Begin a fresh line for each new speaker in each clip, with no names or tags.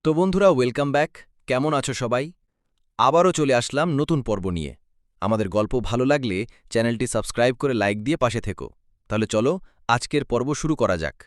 তো বন্ধুরা, welcome back. কেমন আছো সবাই? আবারও চলে আসলাম নতুন পর্ব নিয়ে। আমাদের গল্প ভালো লাগলে চ্যানেলটি সাবস্ক্রাইব করে লাইক দিয়ে পাশে থেকো। তাহলে চলো আজকের পর্ব শুরু করা যাক।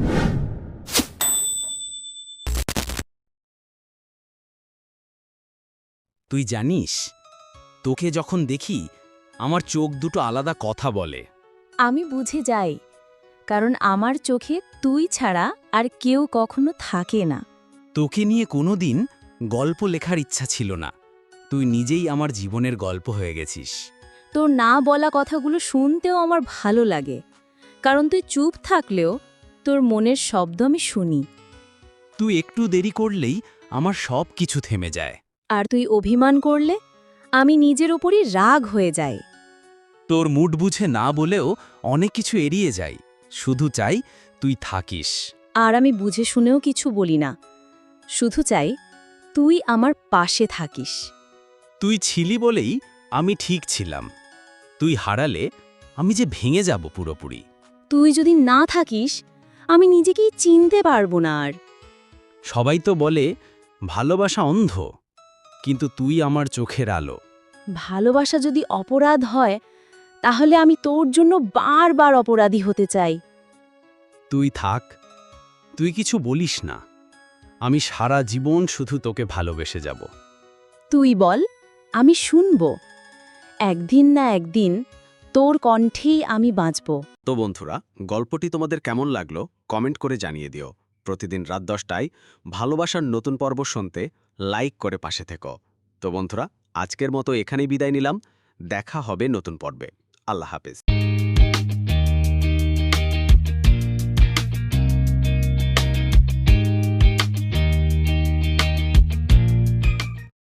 তুই জানিস, তোকে যখন দেখি আমার চোখ দুটো আলাদা কথা বলে।
আমি বুঝে যাই, কারণ আমার চোখে তুই ছাড়া আর কেউ কখনো থাকে না।
তোকে নিয়ে কোনোদিন গল্প লেখার ইচ্ছা ছিল না, তুই নিজেই আমার জীবনের গল্প হয়ে গেছিস।
তোর না বলা কথাগুলো শুনতেও আমার ভালো লাগে, কারণ তুই চুপ থাকলেও তোর মনের শব্দ আমি শুনি।
তুই একটু দেরি করলেই আমার সব কিছু থেমে যায়।
আর তুই অভিমান করলে আমি নিজের ওপরই রাগ হয়ে যাই।
তোর মুড বুঝে না বলেও অনেক কিছু এড়িয়ে যাই, শুধু চাই তুই থাকিস।
আর আমি বুঝে শুনেও কিছু বলি না, শুধু চাই তুই আমার পাশে থাকিস।
তুই ছিলি বলেই আমি ঠিক ছিলাম, তুই হারালে আমি যে ভেঙে যাব পুরোপুরি।
তুই যদি না থাকিস আমি নিজেকেই চিনতে পারবো না আর।
সবাই তো বলে ভালোবাসা অন্ধ, কিন্তু তুই আমার চোখের আলো।
ভালোবাসা যদি অপরাধ হয়, তাহলে আমি তোর জন্য বারবার অপরাধী হতে চাই।
তুই থাক, তুই কিছু বলিস না, আমি সারা জীবন শুধু তোকে ভালোবেসে যাব।
তুই বল, আমি শুনব। একদিন না একদিন তোর কণ্ঠেই আমি বাঁচব।
তো বন্ধুরা, গল্পটি তোমাদের কেমন লাগলো কমেন্ট করে জানিয়ে দিও। প্রতিদিন রাত 10টায় ভালোবাসার নতুন পর্ব শুনতে লাইক করে পাশে থেকো। তো বন্ধুরা, আজকের মতো এখানেই বিদায় নিলাম। দেখা হবে নতুন পর্বে। আল্লাহ হাফেজ।